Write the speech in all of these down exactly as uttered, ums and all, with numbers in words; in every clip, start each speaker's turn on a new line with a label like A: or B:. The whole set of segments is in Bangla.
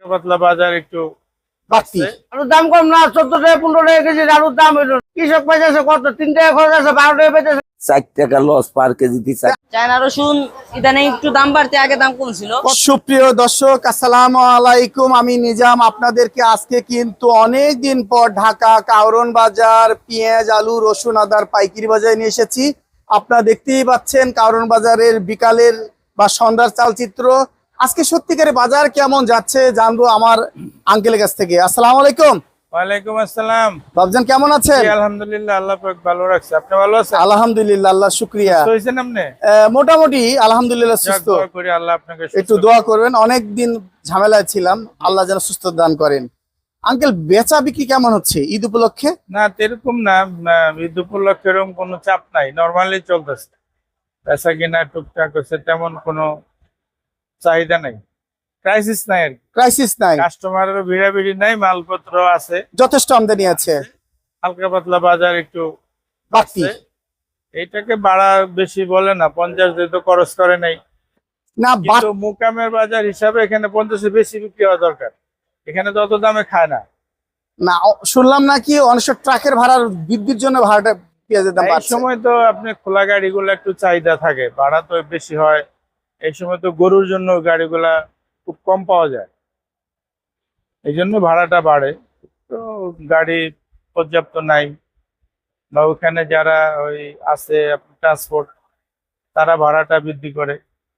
A: পাতলা বাজার একটু
B: বাড়তি।
C: আলুর দাম কম না, চোদ্দ টাকা পনেরো টাকা কেজি আলুর দাম হইল। কৃষক পাইতেছে কত, তিন টাকা খরচ আছে, বারো টাকা পাইতেছে।
B: ষাট টাকা লস পার কেজিতে।
D: চায়না রসুন ইদানিং একটু দাম বাড়তে, আগে দাম কম ছিল।
B: সুপ্রিয় দর্শক, আসসালামু আলাইকুম। আমি নিজাম আপনাদেরকে আজকে কিন্তু অনেক দিন পর ঢাকা কাউরন বাজার পেঁয়াজ আলু রসুন আদার পাইকারি বাজারে নিয়ে এসেছি। আপনারা দেখতেই পাচ্ছেন কাউরন বাজারের বিকালের বা সন্ধ্যার চালচিত্র। আজকে সত্যিকারে বাজার কেমন যাচ্ছে জানবো আমার আঙ্কেলের কাছ থেকে। আসসালামু আলাইকুম।
A: ওয়ালাইকুম আসসালাম।
B: বাবজান কেমন আছেন?
A: আলহামদুলিল্লাহ, আল্লাহ পাক ভালো রাখছে। আপনি ভালো আছেন?
B: আলহামদুলিল্লাহ, আল্লাহ শুকরিয়া।
A: সুস্থ হয়েছেন আপনি?
B: মোটামুটি আলহামদুলিল্লাহ সুস্থ।
A: দোয়া করি আল্লাহ আপনাকে
B: একটু দোয়া করবেন, অনেক দিন ঝামেলায় ছিলাম, আল্লাহ যেন সুস্থ দান করেন। আঙ্কেল বেচা বিক্রি কেমন হচ্ছে ঈদ উপলক্ষে?
A: না এরকম না, ঈদ উপলক্ষে এরকম কোনো চাপ নাই, নরমালি চলতেছে। বেচা কিনা টুকটাক হচ্ছে, তেমন কোনো চাহিদা নাই, ক্রাইসিস নাই আর কি।
B: ক্রাইসিস নাই,
A: কাস্টমারেরও ভিড়াভিড়ি নাই, মালপত্র আছে,
B: যথেষ্ট আমদানি আছে।
A: হালকা পাতলা বাজার একটু
B: বাড়তি।
A: এইটাকে বাড়া বেশি বলে না, পঞ্চাশ দিয়ে তো খরচ করে নাই
B: না,
A: কিন্তু মুকামের বাজার হিসাবে এখানে পঞ্চাশে বেশি বিক্রি হওয়া দরকার। এখানে তো অত দামে খায় না।
B: না শুনলাম নাকি অনেক ট্রাকের ভাড়ার বৃদ্ধির জন্য ভাড়াটা পেঁয়াজের দাম
A: এই
B: বাড়ছে।
A: সময় তো আপনি খোলা গাড়িগুলো একটু চাহিদা থাকে, ভাড়া তো বেশি হয়। এই সময় তো গরুর জন্য গাড়িগুলা খুব কম পাওয়া যায়, এই জন্য ভাড়াটা বাড়ে। তো গাড়ি পর্যাপ্ত নাই, বা ওখানে যারা ওই আছে ট্রান্সপোর্ট, তারা ভাড়াটা বৃদ্ধি করে।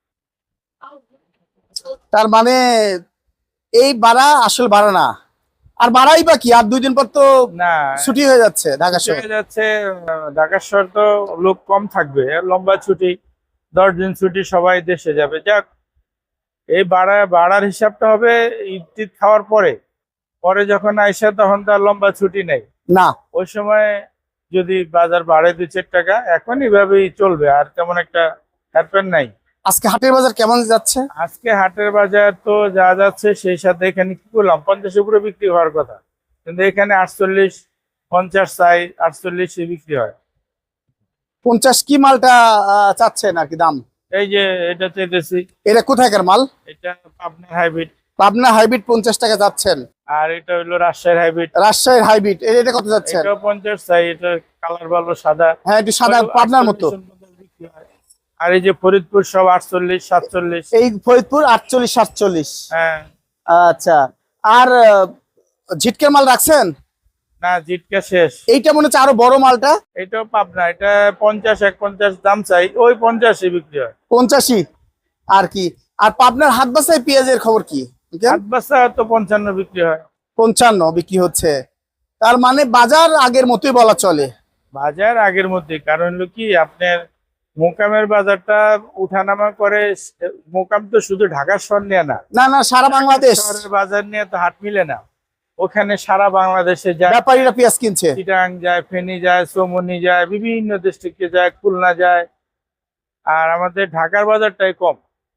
B: তার মানে এই ভাড়া আসল ভাড়া না, আর বাড়াই বা কি, আর দুই দিন পর তো
A: না
B: ছুটি হয়ে যাচ্ছে ঢাকা শহর।
A: হয়ে যাচ্ছে, ঢাকা শহর তো লোক কম থাকবে, লম্বা ছুটি, দশ দিন ছুটি, সবাই দেশে যাবে। যাক, এই ভাড়া ভাড়ার হিসাবটা হবে ঈদ টিদ খাওয়ার পরে। পরে যখন আইসা তখন তার লম্বা ছুটি নেই
B: না,
A: ওই সময় যদি বাজার বাড়ে দুই চার টাকা, এখন এইভাবেই চলবে, আর তেমন একটা হ্যাপেন নাই।
B: আজকে হাটের বাজার কেমন যাচ্ছে?
A: আজকে হাটের বাজার তো যা যাচ্ছে, সেই সাথে এখানে কি করলাম, পঞ্চাশের উপরে বিক্রি হওয়ার কথা, কিন্তু এখানে আটচল্লিশ পঞ্চাশ চাই, আটচল্লিশ বিক্রি হয়।
B: পঞ্চাশ কি মালটা আহ, চাচ্ছেন আর কি দাম?
A: এই যে এটা চাইতেছি,
B: এটা কোথাকার মাল?
A: এটা আপনার হাইব্রিড।
B: পাবনা হাইব্রিড পঞ্চাশ টাকা যাচ্ছেন,
A: আর এটা হলো রাজশাহীর হাইব্রিড।
B: রাজশাহীর হাইব্রিড এটা কত যাচ্ছেন?
A: এটাও পঞ্চাশ চাই, এটা কালার ভালো, সাদা।
B: হ্যাঁ একটু সাদা, পাবনার মতো।
A: আর এই যে ফরিদপুর সব আটচল্লিশ সাতচল্লিশ।
B: এই ফরিদপুর আটচল্লিশ সাতচল্লিশ।
A: হ্যাঁ
B: আচ্ছা, আর আহ, ঝিটকের মাল রাখছেন?
A: না, জিটকা শেষ।
B: এইটা মনে হচ্ছে আরো বড় মালটা।
A: এটাও পাবনা, এটা পঞ্চাশ এক পঞ্চাশ দাম চাই, ওই পঞ্চাশে বিক্রি হয়।
B: পঞ্চাশি আর কি। আর পাবনার হাট বাসায় পেঁয়াজের খবর কি?
A: হাট বাসা তো পঞ্চান্ন বিক্রি হয়।
B: পঞ্চান্ন বিক্রি হচ্ছে, তার মানে বাজার আগের মতোই বলা চলে।
A: বাজার আগের মধ্যে, কারণ হলো কি, আপনার মোকামের বাজারটা উঠানামা করে। মোকাম তো শুধু ঢাকা শহর নিয়ে না,
B: না না সারা বাংলাদেশ
A: শহরের বাজার নিয়ে তো হাট মিলে না। ওখানে সারা বাংলাদেশে যায়,
B: ব্যাপারীরা পেঁয়াজ কিনছে।
A: চিটাং যায়, ফেনী যায়, চৌমনি যায়, বিভিন্ন ডিস্ট্রিক্টে যায়, খুলনা যায়। আর আমাদের ঢাকার বাজারটাই কম,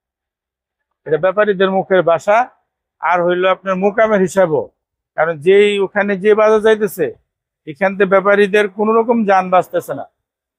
A: এটা ব্যাপারীদের মুখের ভাষা। আর হইলো আপনার মোকামের হিসাবও, কারণ যেই ওখানে যে বাজার যাইতেছে, এখান থেকে ব্যাপারীদের কোন রকম যান বাঁচতেছে না।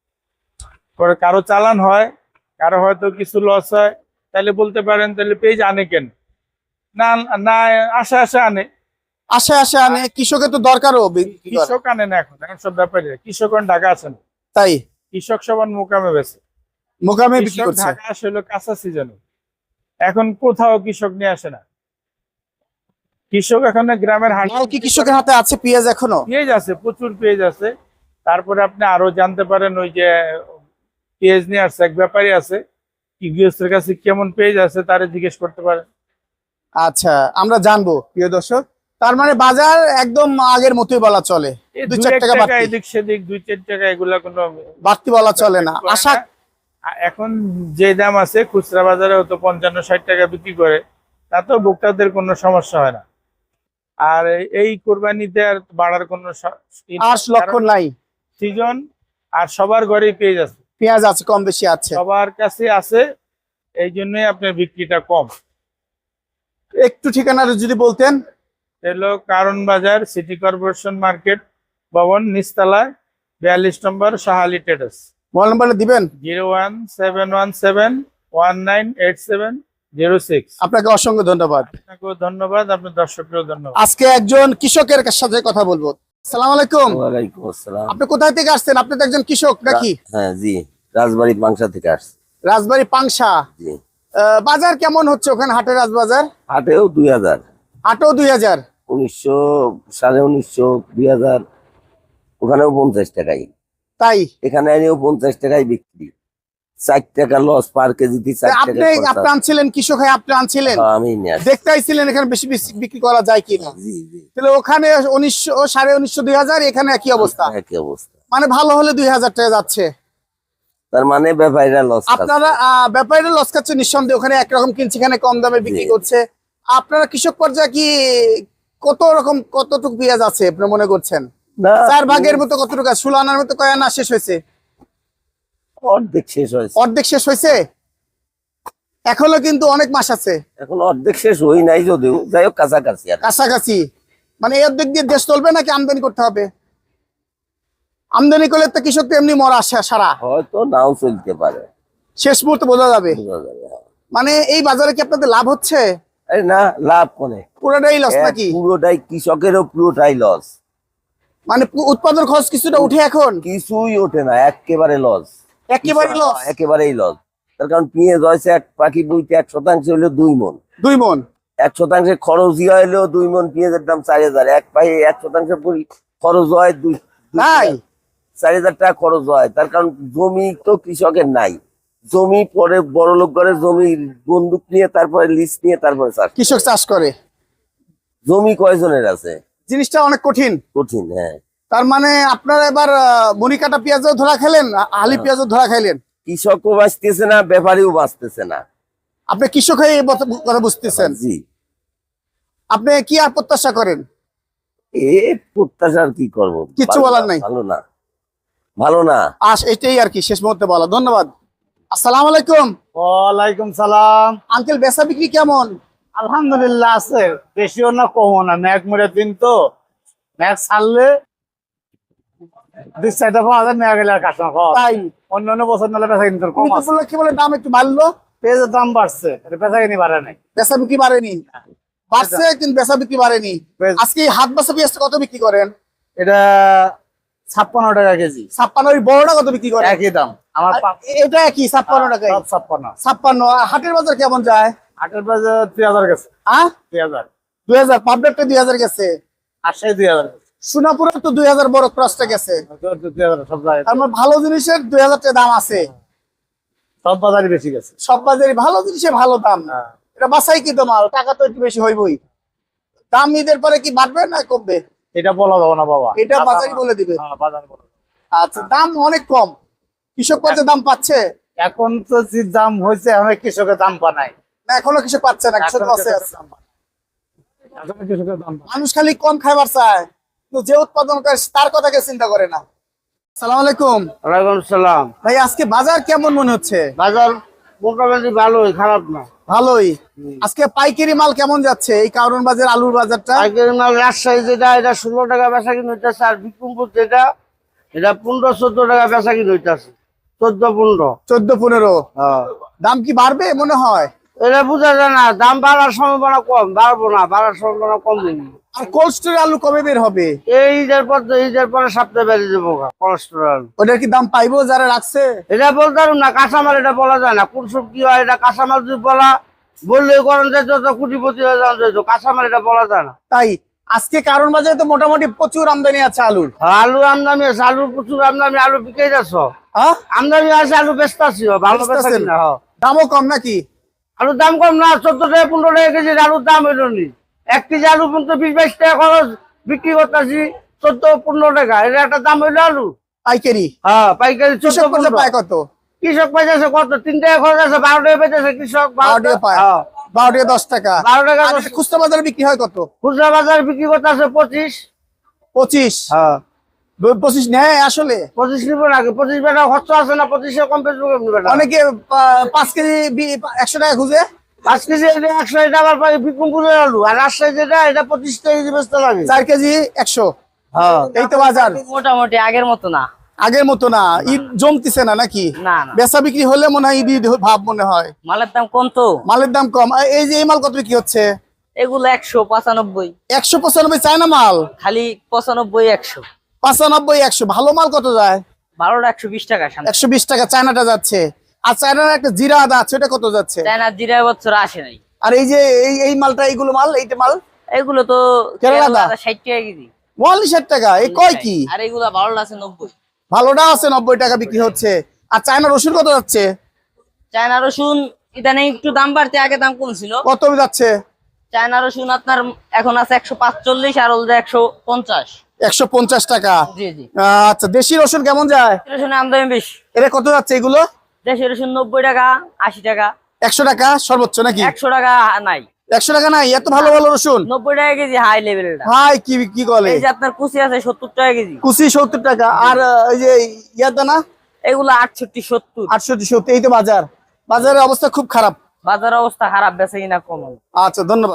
A: পরে কারো চালান হয়, কারো হয়তো কিছু লস হয়, তাহলে বলতে পারেন তাহলে পেজ আনে কেন? না না, আশা আশা আনে,
B: আসে আসে আনে। কৃষকের তো দরকারও।
A: কৃষক আনে না, এখন এখন সব ব্যাপারীরা। কৃষক ঢাকা আছে না,
B: তাই
A: কৃষক সবার মোকামে বেছে,
B: মোকামে বিক্রি
A: কৃষক
B: করছে।
A: ঢাকা আসলে কাঁচা সিজনে, এখন কোথাও কৃষক নিয়ে আসে না। কৃষক এখন গ্রামের হাট।
B: মাল কি কৃষকের হাতে আছে? পেঁয়াজ এখনো
A: পেঁয়াজ আছে, প্রচুর পেঁয়াজ আছে। তারপরে আপনি আরো জানতে পারেন, ওই যে পেঁয়াজ নিয়ে আসছে এক ব্যাপারী আছে, কি গৃহস্থের কাছে কেমন পেঁয়াজ আছে তারে জিজ্ঞেস করতে পারেন।
B: আচ্ছা, আমরা জানবো প্রিয় দর্শক। তার মানে বাজার একদম আগের মতোই বলা চলে,
A: এই
B: দুই
A: দুই
B: চার
A: এক
B: টাকা
A: টাকা
B: বাড়তি
A: এদিক সেদিক, দুই চার টাকা, এগুলা কোনো
B: বাড়তি বলা চলে না।
A: করে
B: আশা
A: না। আ- এখন যে দাম আছে খুচরা বাজারে তো পঞ্চান্ন ষাট টাকা বিক্রি করে, তাতেও ভোক্তাদের কোনো সমস্যা হয় না। আর এই- এই কোরবানিতে আর বাড়ার কোনো
B: আশ লক্ষণ নাই।
A: সিজন, আর সবার ঘরেই পেঁয়াজ আছে,
B: পেঁয়াজ আছে, কম বেশি আছে,
A: সবার কাছে আছে, এই জন্যই আপনার বিক্রিটা কম।
B: একটু ঠিকানাটা যদি বলতেন।
A: এলো কারণ বাজার, সিটি কর্পোরেশন মার্কেট ভবন, নিচতলায়, বিয়াল্লিশ নম্বর, শাহালি ট্রেডার্স।
B: মোবাইল নাম্বারটা দিবেন।
A: Zero one seven one seven one nine eight seven zero six.
B: আপনাকে অসংখ্য ধন্যবাদ।
A: আপনাকেও ধন্যবাদ, আপনার দর্শককেও ধন্যবাদ।
B: আজকে একজন কৃষকের সাথে কথা বলবো। সালাম আলাইকুম।
E: ওয়ালাইকুম আসসালাম।
B: আপনি কোথায় থেকে আসছেন? আপনি তো একজন কৃষক নাকি?
E: হ্যাঁ জি, রাজবাড়ি পাংশা থেকে আসছি।
B: রাজবাড়ী পাংশা।
E: জি।
B: আহ, বাজার কেমন হচ্ছে ওখানে? হাটের রাজবাজার
E: হাটেও দুই হাজার,
B: হাটেও দুই হাজার
E: উনিশশো সাড়ে উনিশশো দুই হাজার, ওখানেও পঞ্চাশ টাকাই,
B: তাই
E: এখানে এনেও পঞ্চাশ টাকায় বিক্রি। চার টাকা লস পার কেজিতে, চার টাকা
B: আপনি আপনি
E: খরচা।
B: আনছিলেন কৃষক হয়ে, আপনি আনছিলেন
E: হ্যাঁ, আমি নিয়ে আসছি।
B: দেখতে আইছিলেন এখানে বেশি বেশি বিক্রি করা যায় কিনা।
E: জি জি,
B: তাহলে ওখানে উনিশশো সাড়ে উনিশশো দুই হাজার, এখানে একই অবস্থা।
E: একই অবস্থা।
B: মানে ভালো হলে দুই হাজার টাকা যাচ্ছে।
E: তার মানে ব্যাপারীরা লস।
B: আপনারা আহ, ব্যাপারীরা লস খাচ্ছে নিঃসন্দেহে। ওখানে একরকম কিনছে, এখানে কম দামে বিক্রি
E: জি।
B: করছে। আপনারা কৃষক পর্যায়ে কি কত রকম কতটুকু পেঁয়াজ আছে আপনি মনে করছেন?
E: না,
B: চার ভাগের মতো কতটুকু আছে? ষোলো আনার মতো কয় আনা শেষ হয়েছে?
E: অর্ধেক শেষ হয়েছে।
B: অর্ধেক শেষ হয়েছে, এখনো কিন্তু অনেক মাস আছে
E: এখন অর্ধেক শেষ হই নাই যদিও, যাই হোক কাছাকাছি আর।
B: কাছাকাছি। মানে এই অর্ধেক দিয়ে দেশ চলবে নাকি আমদানি করতে হবে? আমদানি করলে তো কৃষক তো এমনি মরা আসে সারা,
E: হয়তো নাও চলতে পারে,
B: শেষ মুহূর্তে বোঝা যাবে।
E: বোঝা যাবে। হ্যাঁ।
B: মানে এই বাজারে কি আপনাদের লাভ হচ্ছে?
E: আরে না, লাভ কোনে,
B: পুরোটাই লস নাকি?
E: পুরোটাই কৃষকেরও পুরোটাই লস।
B: মানে পু- উৎপাদন খরচ কিছুটা উঠে এখন
E: কিছুই ওঠে না, একেবারে লস,
B: একেবারে লস।
E: একেবারেই লস। তার কারণ পেঁয়াজ হয়েছে এক পাখি বইতে এক শতাংশ হইলো দুই মন,
B: দুই মন
E: এক শতাংশে খরচ ইয়া হইলেও দুই মন পেঁয়াজের দাম চার হাজার, এক পাখি এক শতাংশ পরি- খরচ হয় দুই দুই
B: তাই?
E: চার হাজার টাকা খরচ হয়। তার কারণ জমি তো কৃষকের নাই, জমি পরে বড় লোক করে জমি বন্দুক নিয়ে তারপরে লিস্ট নিয়ে তারপরে চাষ।
B: কৃষক চাষ করে,
E: জমি কয়জনের আছে?
B: জিনিসটা অনেক কঠিন।
E: কঠিন। হ্যাঁ,
B: তার মানে আপনারা এবার আহ, মনিকাটা পেঁয়াজও ধরা খেলেন, আ- আলি পেঁয়াজও ধরা খাইলেন।
E: কৃষকও বাঁচতেছে না, ব্যাপারীও বাঁচতেছে না।
B: আপনি কৃষক হয়ে এই বত- কথা বুঝতেছেন।
E: জি,
B: আপনি কি আর প্রত্যাশা করেন?
E: এ প্রত্যাশার কি করবো,
B: কিচ্ছু
E: ভালো
B: বলার
E: না,
B: নাই।
E: ভালো না, ভালো না।
B: আস এটাই আর কি শেষ মুহূর্তে বলা। ধন্যবাদ। আসসালামু আলাইকুম।
C: ওয়ালাইকুম সালাম।
B: আঙ্কেল, বেচা বিক্রি কেমন?
C: আলহামদুলিল্লাহ আছে, বেশিও না কমও না। ম্যাক মেরে দিন তো, ম্যাক ছাড়লে দুই চারটা পাওয়া যায়, ম্যাক গেলে আর কাস্টমার পাওয়া যায়।
B: তাই
C: অন্য অন্য বছর নাহলে বেচা কিন্তু কম
B: কিন্তু
C: আছে।
B: বললো কি বলে দাম একটু বাড়লো,
C: পেঁয়াজের দাম বাড়ছে, এটা বেচা কিনি বাড়ে নাই।
B: বেচা বিক্রি বাড়েনি। বাড়ছে কিন্তু বেচা বিক্রি বাড়েনি।
C: পেঁয়াজ-
B: আজকে এই হাত বেচা পেঁয়াজটা কত বিক্রি করেন?
C: এটা ছাপ্পান্ন টাকা কেজি,
B: ছাপ্পান্ন। ওই বড়টা কত বিক্রি করেন?
C: একই দাম আমার
B: আর
C: পা-
B: এটা কি ছাপ্পান্ন টাকায়?
C: সব ছাপ্পান্ন।
B: ছাপ্পান্ন। আর হাটের বাজার কেমন যায়?
C: আটের বাজার দুই হাজার গেছে,
B: আহ
C: দুই হাজার।
B: দুই হাজার পাবলিকটা দুই হাজার গেছে।
C: আটশাই দুই হাজার গেছে,
B: সোনাপুরে তো দুই হাজার বড় ক্রসটা গেছে।
C: দুই হাজার সব জায়গায়।
B: তার মানে ভালো জিনিসের দুই হাজার টাকা দাম আছে।
C: সব বাজারই বেশি গেছে।
B: সব বাজারে ভালো জিনিসের ভালো দাম।
C: হ্যাঁ।
B: এটা বাসাই কি তো মাল, টাকা তো একটু বেশি হইবই। দাম ঈদের পরে কি বাড়বে না কমবে?
C: এটা বলা যাবে না বাবা,
B: এটা বাজারই বলে দিবে।
C: হ্যাঁ, বাজার বলে দেবে।
B: আচ্ছা, দাম অনেক কম। কৃষক পর্যায়ে দাম পাচ্ছে
C: এখন তো যে দাম হয়েছে, এখন কৃষকের দাম পা নাই।
B: না? এখনো কৃষক পাচ্ছে না, কৃষক
C: এখন
B: লসে
C: কৃষকের
B: আছে।
C: দাম পা নাই। এখন কৃষকের দাম পা নাই।
B: মানুষ খালি কম খাইবার চায়, কিন্তু যে উৎপাদন করে তার কথা কেউ চিন্তা করে না। সালাম আলাইকুম
C: ওয়ালাইকুম সালাম।
B: ভাই, আজকে বাজার কেমন মনে হচ্ছে?
C: বাজার মোটামুটি ভালোই, খারাপ না।
B: ভালোই। আজকে পাইকারি মাল কেমন যাচ্ছে? এই কারণ বাজার আলুর বাজারটা
C: পাইকারি মাল রাজশাহী যেটা, এটা ষোলো টাকা বেচা কিনে হইতেছে, আর বিক্রমপুর যেটা, এটা পনেরো চোদ্দ টাকা বেচা কিনে হইতেছে। চোদ্দ পনেরো।
B: চোদ্দ পনেরো।
C: হ্যাঁ,
B: দাম কি বাড়বে মনে হয়?
C: এটা বোঝা যায় না, দাম বাড়ার সম্ভাবনা কম, বাড়বো না, বাড়ার সম্ভাবনা কম নেই।
B: আর কোল্ড স্টোরে আলু কবে বের হবে?
C: এই ঈদের পর তো, ঈদের পরে সপ্তাহে বেড়ে যাবো কোলেস্টেরল।
B: ওটার কি দাম পাইবো যারা রাখছে?
C: এটা বলতে পারুন না, কাঁচামাল এটা বলা যায় না, কোন সব কি হয়। এটা কাঁচামাল যদি বলা বললে করেন যে যত কোটিপতি হয়ে যাওয়া যেত, কাঁচামাল এটা বলা যায় না।
B: তাই আজকে কারণ বাজারে তো মোটামুটি প্রচুর আমদানি আছে আলুর।
C: আলু আমদানি আছে, আলুর প্রচুর আমদানি, আলু বিকে যাচ্ছ।
B: হ্যাঁ,
C: আমদানি আছে, আলু বেচতে আসছি, ভালো বেচা
B: বেচতাছেন?
C: কিনা। হ্যাঁ।
B: দামও কম নাকি?
C: আলুর দাম কম না, চোদ্দ টাকা পনেরো টাকা কেজি আলুর দাম হইল নি। এক কেজি আলু পর্যন্ত বিশ বাইশ টাকা খরচ, বিক্রি করতেছি চোদ্দ পনেরো টাকা, এটা একটা দাম হইলো আলু।
B: পাইকারি।
C: হ্যাঁ, পাইকারি চোদ্দ
B: কৃষক পর্যায়ে
C: পনেরো।
B: পায় কত?
C: কৃষক পাইতেছে কত? তিন টাকা খরচ আছে, বারো টাকা পেয়েছে কৃষক।
B: বারো টাকা পায়।
C: হ্যাঁ,
B: বারো টাকা দশ টাকা।
C: বারো টাকা
B: আর
C: দশ-
B: খুচরা বাজারে বিক্রি হয় কত?
C: খুচরা বাজার বিক্রি করতেছে পঁচিশ।
B: পঁচিশ।
C: হ্যাঁ,
B: পঁচিশ নেয় আসলে?
C: পঁচিশ নিবো নাকি? পঁচিশ বেটা খরচ আছে না, পঁচিশে কম পেয়েছে বেটা।
B: অনেকে পা- পাঁচ কেজি বি- একশো টাকা খুঁজে।
C: পাঁচ কেজি এটা একশো, এটা আবার পাই বিক্রমপুরের আলু। আর রাজশাহী যেটা, এটা পঁচিশ কেজি বেচতে লাগে।
B: চার কেজি একশো।
C: হ্যাঁ,
B: এই তো বাজার।
D: মোটামুটি আগের মতো না।
B: আগের মতো না, ঈদ জমতিছে না নাকি?
D: না না
B: বেচা বিক্রি হলে মনে হয় ঈদ ঈদ ভাব মনে হয়।
D: মালের দাম কম তো।
B: মালের দাম কম। আর এই যে এই মাল কত বিক্রি হচ্ছে?
D: এগুলো একশো পঁচানব্বই,
B: একশো পঁচানব্বই চায়না মাল,
D: খালি পঁচানব্বই একশো।
B: পঁচানব্বই একশো। ভালো মাল কত যায়?
D: বারোটা একশো বিশ টাকা।
B: একশো বিশ টাকা চায়নাটা যাচ্ছে। আর চায়নার একটা জিরা আদা আছে, ওটা কত যাচ্ছে?
D: চায়না জিরা বছর আসে নাই।
B: আর এই যে এই এই মালটা, এইগুলো মাল, এইটা মাল
D: এগুলো তো
B: কেরালা দা?
D: ষাট টাকা কেজি।
B: ওয়ালি ষাট টাকা। এই কয় কি?
D: আর এগুলা বারোটা আছে নব্বই।
B: ভালোটা আছে নব্বই টাকা বিক্রি হচ্ছে। আর চায়না রসুন কত যাচ্ছে?
D: চায়না রসুন ইদানিং একটু দাম বাড়তে, আগে দাম কম ছিল।
B: কত যাচ্ছে?
D: চায়না রসুন আপনার এখন আছে একশো পাঁচচল্লিশ, আর ওদের একশো পঞ্চাশ।
B: একশো পঞ্চাশ টাকা।
D: জি জি।
B: আচ্ছা, দেশি রসুন কেমন যায়?
D: রসুনের আমদানি বেশি।
B: এটা কত যাচ্ছে এগুলো?
D: দেশের রসুন নব্বই টাকা, আশি টাকা।
B: একশো টাকা সর্বোচ্চ নাকি?
D: একশো টাকা নাই।
B: একশো টাকা নাই? এত ভালো ভালো রসুন?
D: নব্বই টাকা কেজি হাই লেভেলটা।
B: হাই কি কি বলে?
D: এই যে আপনার কুচি আছে সত্তর টাকা কেজি।
B: কুচি সত্তর টাকা। আর আহ, এই যে ইয়াদা না,
D: এগুলো আটষট্টি সত্তর।
B: আটষট্টি সত্তর। এই তো বাজার, বাজারের অবস্থা খুব খারাপ।
D: বাজার অবস্থা খারাপ, বেচে কিনা কম।
B: আচ্ছা, ধন্যবাদ।